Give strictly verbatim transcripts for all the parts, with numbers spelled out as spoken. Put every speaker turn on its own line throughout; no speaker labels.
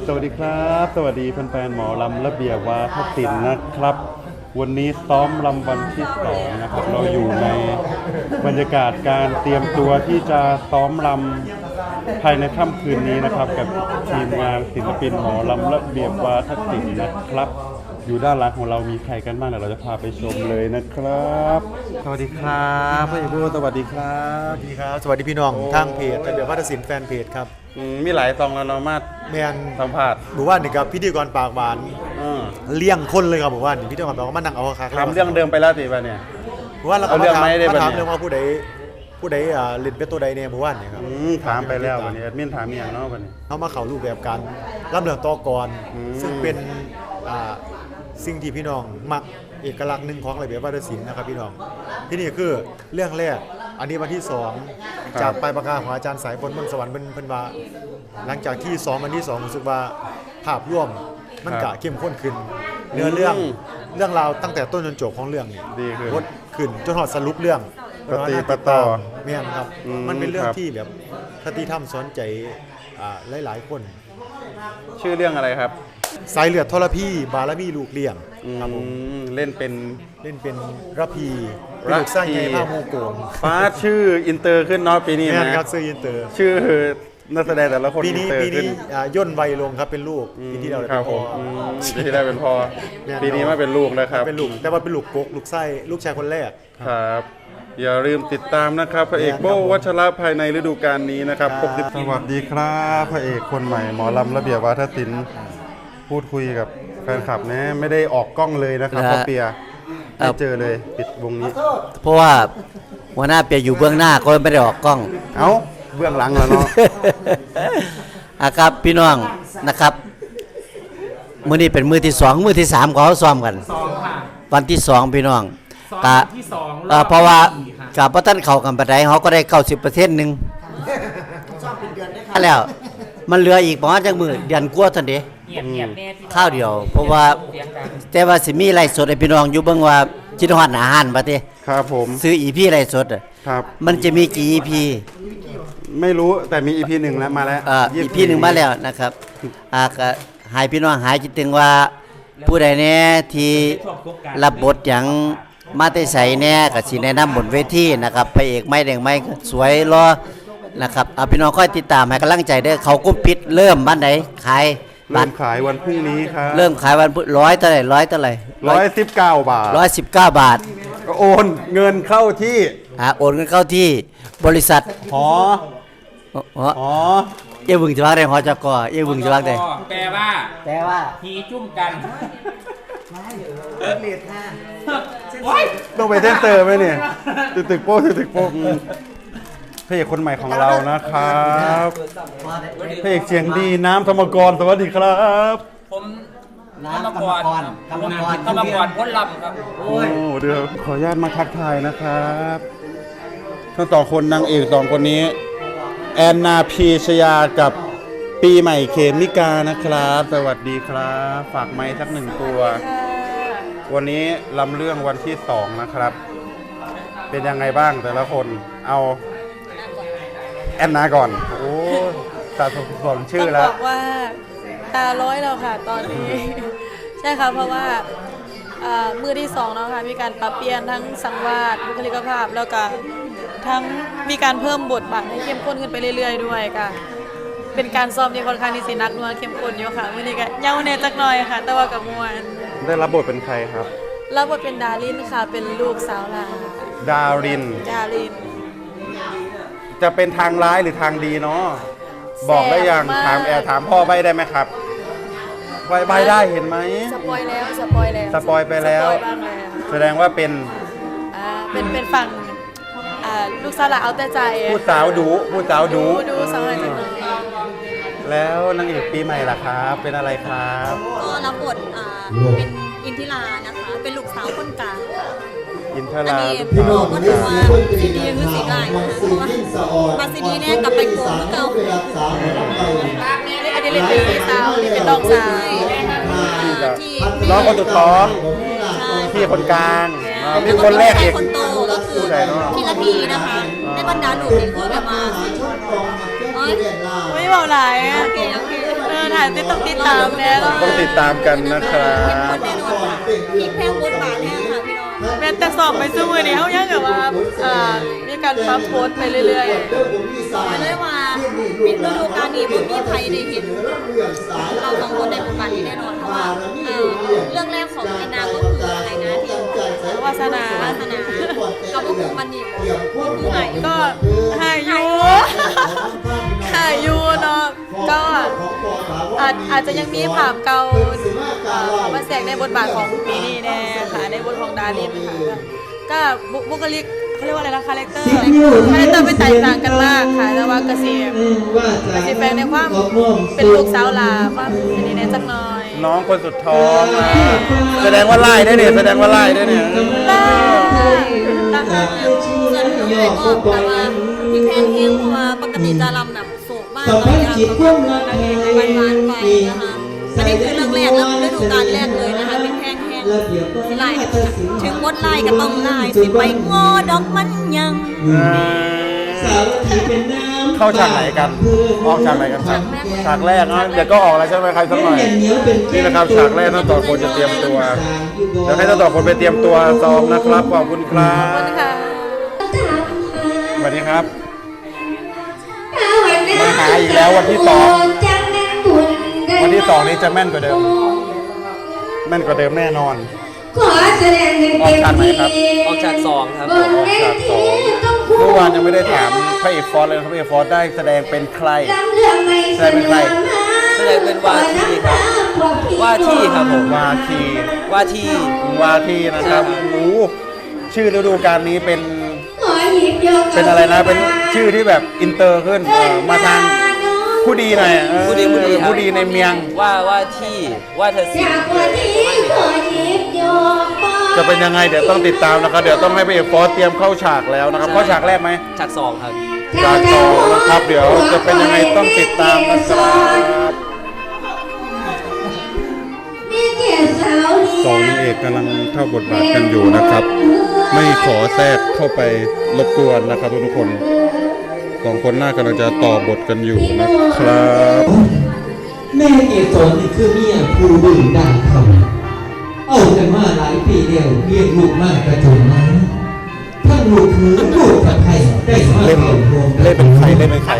สวัสดีครับสวัสดีแฟนๆหมอลำระเบียบวาทศิลป์นะครับ วันนี้ซ้อมลำวันที่สองนะครับเราอยู่ในบรรยากาศการเตรียมตัวที่จะซ้อมลำภายในค่ำคืนนี้นะครับกับทีมงานศิลปินหมอลำระเบียบวาทศิลป์นะครับอยู่ด้านหลังของเรามีใครกันบ้างเดี๋ยวเราจะพาไปชมเลยนะครับสวัสดีครับพี่บูสวัสดีครับ
สวัสดีครับสวัสดีพี่น้องทางเพจระเบียบวาทศิลป์แฟนเพจครับ
มีหลายซองแล้วเนาะมา
แมน
สัมภาษณ์
หมู่บ้านนี่ครับพิธีกรปากหวานเลี้ยงคนเลยครับหมู่บ้านนี่พิธีกรปากหวานมานั่งเอาคา
ถามเรื่องเดิมไปแล้วสิป่ะเนี่ย
หมู่บ้านเราก็มาถามมาถามเรื่องว่าผู้ใดผู้ใดอ่าเล่นเป็นตัวใดในหมู่บ้านนี่ครับ
ถามไปแล้ววันนี้แอดมินถามอย่างเนาะวันนี้
เขามาเข้ารูปแบบการรับเรื่องต่อก่อนซึ่งเป็นอ่าสิ่งที่พี่น้องมักเอกลักษณ์หนึ่งของระเบียบวาทศิลป์นะครับพี่น้องที่นี่คือเรื่องแรกอันนี้วันที่สองจากปลายปากกาของอาจารย์สายฝนบนสวรรค์เป็นเพิ่นว่าหลังจากที่สองวันที่สองรู้สึกว่าภาพร่วมมันกะเข้มข้นขึ้นเนื้อเรื่องเรื่องราวตั้งแต่ต้นจนจบของเรื่องนี่
ดีขึ้น
ลดขึ้นจนหอดสรุปเรื่อง
ปฏิปต่อ
แม่นครับมันเป็นเรื่องที่แบบคติธรรมสอนใจอ่าหลายๆคน
ชื่อเรื่องอะไรครับ
สายเลือดทรพีบารมีลูกเลี้ยง
ครับผมเล่นเป็น
เล่นเป็นระพีลูกสร้างไงผ้าโมโกง
ฟ้าชื่ออินเตอร์ขึ้นเนาะปีนี้
นะครับชื่ออินเตอร์
ชื่อนักแสดงแต่ละคน
ปีนี้ปีนี้ย่นวัยลงครับเป็นลูกปีที่เราเป็นพ่อ
ปีที่เราเป็นพ่อปีนี้มาเป็นลูกนะครับ
เป็นลูกแต่ว่าเป็นลูกกกลูกไส้ลูกชายคนแรก
ครับอย่าลืมติดตามนะครับพระเอกโบวัชระภายในฤดูกาลนี้นะครับสวัสดีครับพระเอกคนใหม่หมอลำระเบียบวาทศิลป์พูดคุยกับแฟนคลับนะไม่ได้ออกกล้องเลยนะครับเพราะเปียไม่เจอเลยปิดวงนี้
เพราะว่าหัวหน้าเปียอยู่เบื้องหน้าก็ไม่ได้ออกกล้อง
เอ้าเบื้องหลังแล้วเนาะ
อ่ะครับพี่น้องนะครับมื้อนี้เป็นมื้อที่สองมื้อที่สามเขาซ้อมกันวันที่สองพี่น้องกะเพราะว่ากับพระท่านเข้ากันปานใดเฮาก็ได้ เก้าสิบเปอร์เซ็นต์ นึงซ้อมเป็นเดือนได้ครับแล้วมันเหลืออีกประมาณจักมื้อเดือนกว่าเท่านั้นเด้ข้าวเดียวเพราะว่าแต่ว่าสิมีไลฟ์สดให้พี่น้องอยู่เบิ่งว่าคิดฮอดอาหารบ่ติ
ครับผม
ซื้อ อี พี ไลฟ์สดอ่ะ
ครับ
มันจะมีกี่ อี พี
ไม่รู้แต่มี อี พี หนึ่งแล้วมาแล้ว
อ่า อี พี หนึ่งมาแล้วนะครับอ่าก็ให้พี่น้องหายคิดถึงว่าผู้ใดแน่ที่รับบทหยังมาแต่ไสแน่ก็สิแนะนำบนเวทีนะครับพระเอกไม้แดงไม้สวยรอนะครับเอาพี่น้องค่อยติดตามให้กำลังใจเด้อเขากุมปิดเริ่มบ้านไหนขาย
เริ่มขายวันพรุ่งนี้ครับ
เริ่มขายวันร้อยเท่าไหร่ร้อยเท่าไหร่
ร้อยสิบเก้าบาท
ร้อยสิบเก้าบาท
ก็โอนเงินเข้าที่
อ่าโอนเงินเข้าที่บริษัท
หอ
หอเอ้ยบึงจะว่าได้หอจกเอ้ยบึงจะว่าได้
แปลว่า
แปลว่า
หีจุ่มกัน
เลียดท่า
ต้องไปเทนเตอร์ไหมเนี่ยตึกตึกโป๊ะตึกโป๊ะพระเอกคนใหม่ของเรานะครับพระเอกเสียงดีน้ำธรรมกรสวัสดีครับ
ผมน้ำธรรมกรธรรมกรธรรมกรพ้นลำครับ
โอ้เดี๋ยวขออนุญาตมาทักทายนะครับทั้งสองคนนางเอกสองคนนี้แอนนาพีชยากับปีใหม่เคมิกานะครับสวัสดีครับฝากไม้สักหนึ่งตัววันนี้ลำเรื่องวันที่สองนะครับเป็นยังไงบ้างแต่ละคนเอาแอนนาก่อนโอ้ตาสมชื่อแล้ว
บอกว่าตาร้อยแล้วค่ะตอนนี้ใช่ค่ะเพราะว่ามือที่สองเนาะค่ะมีการปรับเปลี่ยนทั้งสังวาสบุคลิกภาพแล้วก็ทั้งมีการเพิ่มบทบาทให้เข้มข้นขึ้นไปเรื่อยๆด้วยค่ะเป็นการซ้อมที่ค่อนข้างที่สินักนัวเข้มข้นอยู่ค่ะวันนี้ก็เย้าเนจักหน่อยค่ะแต่ว่ากับมวล
ได้รับบทเป็นใครครับ
รับบทเป็นดารินค่ะเป็นลูกสาวลา
ดาริน
ดาริน
จะเป็นทางร้ายหรือทางดีเนาะบอกได้ยังถามแอร์ถามพ่อใบได้ไหมครับใบใบได้เห็นไหม
สปอยแล้วสปอยแล้ว
สปอยไปแล้วแสดงว่าเป็น
อ่าเป็นเป็นฝั่งอ่าลูกสาวเอาแต่ใจ
ผู้สาวดูผู้สาวดู
ดูสาวอะไรจังเลย
แล้วนางเอกปีใหม่ล่ะครับเป็นอะไรครับ
ก็รับบทอ่าเป็นอินทิรานะคะเป็นลูกสาวคนกลาง
อินทรา
พี่น้องก็ถือว่าซีดีคือสีได้เพราะว่ามาซีดีเนี่ยกลับไปโกงเมื่อเก่า
อันนี้เล่นเป็นพี่สาวนี่เป็นน้องสาว
ที่
น้องคนสุดท้องพี่คนกลางมีคนแรกเอก
คนโตก็คือพี่ละพีนะคะในบรรดาหนุ่มนี่คือแบบมา
ไม่เบาหลายอ่ะถ่ายติดต้องติดตามแน่นอน
ต้องติดตามกันนะครับ
แน่นอนค่ะอีกแพงบทบาทแน่ค่ะพี่น้อง
แม้แต่สอบไปซื้อมือนี้เขายังแบบว่าอ่ามีการปรับโพสต์ไปเรื่อย
บอกเลยว่าปิดฤดูกาลนี้บ่มีใครได้เห็นเราสองคนในบทบาทนี้แน่นอนเพราะว่าเอ่อเรื่องแรกของแอนนาก็คืออะไรนะที่
ๆวาสนาว
าสนากับพวกคุณมันนี่คือไหน
ก็หายอยูหายอยูเนาะก็อาจอาจจะยังมีภาพเก่าเอ่อเข้ามาแทรกในบทบาทของปีนี้แน่ค่ะในบทของดารินค่ะก็บุบุคลิกเขาเรียกว่าอะไรนะคาแรคเตอร์คาแรคเตอร์เป็นแตกต่างกันมากค่ะแต่ว่ากระสีกระสีแฝงในความเป็นลูกสาวลาความอันนี้แน่จักหน่อย
น้องคนสุดท้องอ่ะแสดงว่าไล่ได้เนี่ยแสดงว่าไล่ได้เนี่ย
รักมาก
ส่วนพี่ใหญ่ก็แต่ว่าพี่แพงเองเพราะว่าปกติจะรำแบบโศกมากเลยนะวันวานๆไปนะคะอันนี้คือเรื่องแรกแล้วฤดูกาลแรกเลยนะคะพี่แพงแห้งสิไล่ถึงมดไล่ก็ต้องไล่สิไปงอดอกมันยัง
เข้าฉากไหนกันออกฉากไหนกันครับฉากแรกนะเดี๋ยวก็ออกแล้วใช่ไหมใครสักหน่อยนี่นะครับฉากแรกทั้งต่อคนจะเตรียมตัวเดี๋ยวให้ทั้งต่อคนไปเตรียมตัวซ้อมนะครับขอบคุณครั
ขอบคุณ
บ
ค่ะ
สวัสดีครับมาหาอีกแล้ววันที่สองวันที่สองนี้จะแม่นกว่าเดิม แม่นกว่าเดิมแน่นอน
ขอแสดงให้เต็มที่
ออกจากสองครับ
บนเว
ฉากส
ที
อง
ต้อง
เมื่อวานยังไม่ได้ถามพระเอกฟอสเลยครับพระเอกฟอสได้แสดงเป็นใคร
ลำเรื่องไม่เสนอมา
แสดงเป็นวาที่ครับว่าที่ครับผม
วาที
ว่าที่
วาทีนะครับโอ้โหชื่อฤดูกาลนี้เป็น
ขอหยิบยก
เป็นอะไรนะ เป็นชื่อที่แบบอินเตอร์ขึ้นเออมาทางผู้ดีหน่อยเออ
ผู้ดีผู้ดีครับ
ผู้ดีในเมียง
ว่าว่าที่ว่าเธอสิ
จากวันนี้ขอหยิบยกบ
จะเป็นยังไงเดี๋ยวต้องติดตามนะครับ เดี๋ยวต้องให้พระเอกฟอสเตรียมเข้าฉากแล้วนะครับ เข้าฉากแรกไหม
จากสองครับ
ฉากสองนะครับ เดี๋ยวจะเป็นยังไงต้องติดตามนะครับ
มีเกียรติสาวเรีย
สองนางเอกกำลังเข้าบทบาทกันอยู่นะครับ ไม่ขอแทรกเข้าไปรบกวนนะครับทุกคนสองคนหน้ากำลังจะต่อบทกันอยู่นะครับ
แม่เกศรนี่คือเมียผู้บึงดังคำเอากันมาหลายปีเดียวเลี้ยงลูกมากกระจนมาทั้งลูกคือลูกกับใครได้มา
เล่น
เข้าโรง
เล่นเป็นใครเล่นเป็นใคร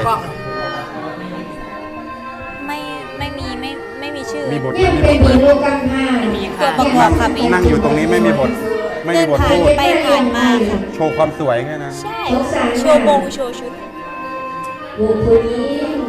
ไม่ไม่มีไม่ไม่มีชื่อ
มีบท
ยังเป็นบทลูกกำพร้า
มีค่ะตัวประกอบค่ะมี
นั่งอยู่ตรงนี้ไม่มีบท ไม่มีบท
ผ่าน
พูด
ไปผ่านมาค่ะ
โชว์ความสวยแค่นั้น
ใช่โชว์บงโชว์ชุด
บุคคลนี้